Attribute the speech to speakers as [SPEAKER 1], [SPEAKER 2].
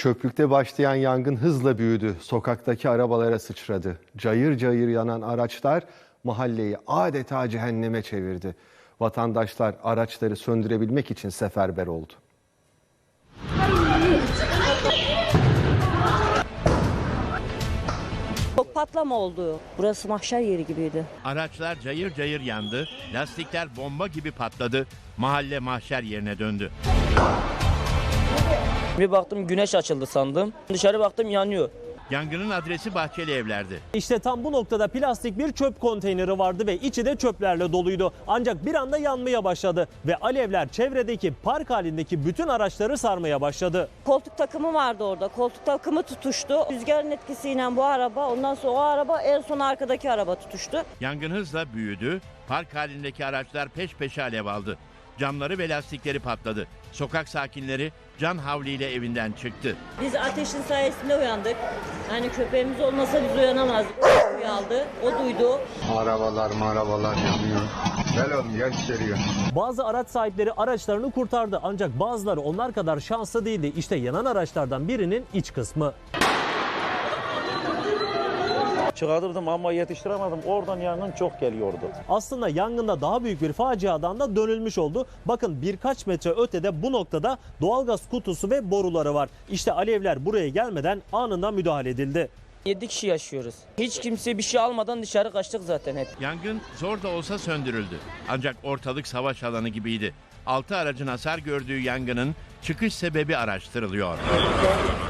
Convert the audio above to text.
[SPEAKER 1] Çöplükte başlayan yangın hızla büyüdü. Sokaktaki arabalara sıçradı. Cayır cayır yanan araçlar mahalleyi adeta cehenneme çevirdi. Vatandaşlar araçları söndürebilmek için seferber oldu.
[SPEAKER 2] Çok patlama oldu. Burası mahşer yeri gibiydi.
[SPEAKER 3] Araçlar cayır cayır yandı, lastikler bomba gibi patladı, mahalle mahşer yerine döndü.
[SPEAKER 4] Bir baktım güneş açıldı sandım. Dışarı baktım yanıyor.
[SPEAKER 3] Yangının adresi Bahçeli Evler'di.
[SPEAKER 5] İşte tam bu noktada plastik bir çöp konteyneri vardı ve içi de çöplerle doluydu. Ancak bir anda yanmaya başladı ve alevler çevredeki park halindeki bütün araçları sarmaya başladı.
[SPEAKER 2] Koltuk takımı vardı orada. Koltuk takımı tutuştu. Rüzgarın etkisiyle bu araba, ondan sonra o araba, en son arkadaki araba tutuştu.
[SPEAKER 3] Yangın hızla büyüdü, park halindeki araçlar peş peşe alev aldı. Camları ve lastikleri patladı. Sokak sakinleri can havliyle evinden çıktı.
[SPEAKER 2] Biz ateşin sayesinde uyandık. Yani köpeğimiz olmasa biz uyanamazdık. O uyandı, o duydu.
[SPEAKER 6] Arabalar yanıyor. Gel oğlum gel içeriye.
[SPEAKER 5] Bazı araç sahipleri araçlarını kurtardı ancak bazıları onlar kadar şanslı değildi. İşte yanan araçlardan birinin iç kısmı.
[SPEAKER 7] Çıkartırdım ama yetiştiremedim. Oradan yangın çok geliyordu.
[SPEAKER 5] Aslında yangında daha büyük bir faciadan da dönülmüş oldu. Bakın birkaç metre ötede bu noktada doğalgaz kutusu ve boruları var. İşte alevler buraya gelmeden anında müdahale edildi.
[SPEAKER 4] 7 kişi yaşıyoruz. Hiç kimse bir şey almadan dışarı kaçtık zaten hep.
[SPEAKER 3] Yangın zor da olsa söndürüldü. Ancak ortalık savaş alanı gibiydi. 6 aracın hasar gördüğü yangının çıkış sebebi araştırılıyor.